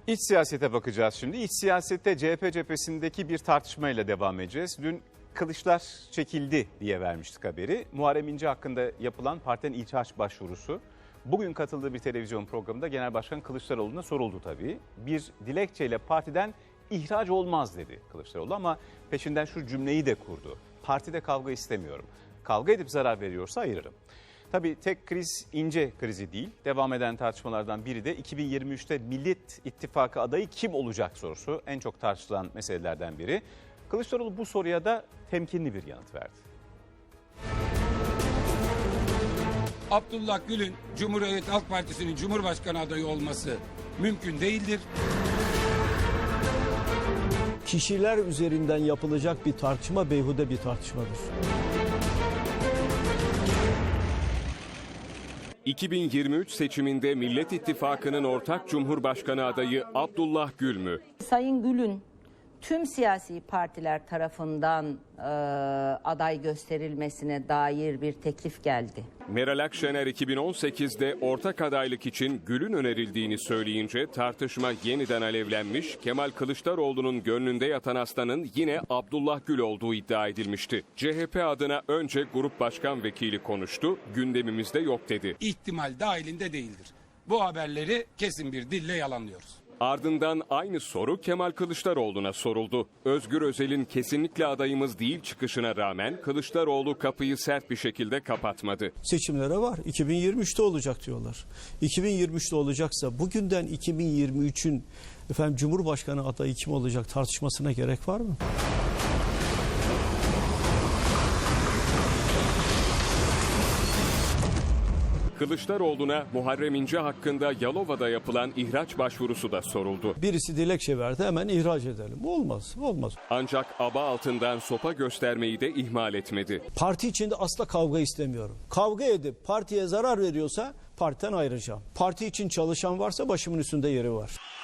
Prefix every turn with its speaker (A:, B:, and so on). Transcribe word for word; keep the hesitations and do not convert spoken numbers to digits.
A: İç siyasete bakacağız şimdi. İç siyasette C H P cephesindeki bir tartışmayla devam edeceğiz. Dün kılıçlar çekildi diye vermiştik haberi. Muharrem İnce hakkında yapılan partinin ihraç başvurusu. Bugün katıldığı bir televizyon programında Genel Başkan Kılıçdaroğlu'na soruldu tabii. Bir dilekçeyle partiden ihraç olmaz dedi Kılıçdaroğlu ama peşinden şu cümleyi de kurdu. Partide kavga istemiyorum. Kavga edip zarar veriyorsa ayırırım. Tabii tek kriz İnce krizi değil. Devam eden tartışmalardan biri de iki bin yirmi üçte Millet İttifakı adayı kim olacak sorusu. En çok tartışılan meselelerden biri. Kılıçdaroğlu bu soruya da temkinli bir yanıt verdi.
B: Abdullah Gül'ün Cumhuriyet Halk Partisi'nin Cumhurbaşkanı adayı olması mümkün değildir.
C: Kişiler üzerinden yapılacak bir tartışma beyhude bir tartışmadır.
D: iki bin yirmi üç seçiminde Millet İttifakı'nın ortak Cumhurbaşkanı adayı Abdullah Gül mü?
E: Sayın Gül'ün tüm siyasi partiler tarafından e, aday gösterilmesine dair bir teklif geldi.
D: Meral Akşener iki bin on sekizde ortak adaylık için Gül'ün önerildiğini söyleyince tartışma yeniden alevlenmiş, Kemal Kılıçdaroğlu'nun gönlünde yatan aslanın yine Abdullah Gül olduğu iddia edilmişti. C H P adına önce Grup Başkan Vekili konuştu, gündemimizde yok dedi.
B: İhtimal dahilinde değildir. Bu haberleri kesin bir dille yalanlıyoruz.
D: Ardından aynı soru Kemal Kılıçdaroğlu'na soruldu. Özgür Özel'in kesinlikle adayımız değil çıkışına rağmen Kılıçdaroğlu kapıyı sert bir şekilde kapatmadı.
C: Seçimlere var. iki bin yirmi üçte olacak diyorlar. iki bin yirmi üçte olacaksa bugünden iki bin yirmi üçün efendim Cumhurbaşkanı adayı kim olacak tartışmasına gerek var mı?
D: Kılıçdaroğlu'na Muharrem İnce hakkında Yalova'da yapılan ihraç başvurusu da soruldu.
C: Birisi dilekçe verdi hemen ihraç edelim. Olmaz, olmaz.
D: Ancak aba altından sopa göstermeyi de ihmal etmedi.
C: Parti içinde asla kavga istemiyorum. Kavga edip partiye zarar veriyorsa partiden ayrılacağım. Parti için çalışan varsa başımın üstünde yeri var.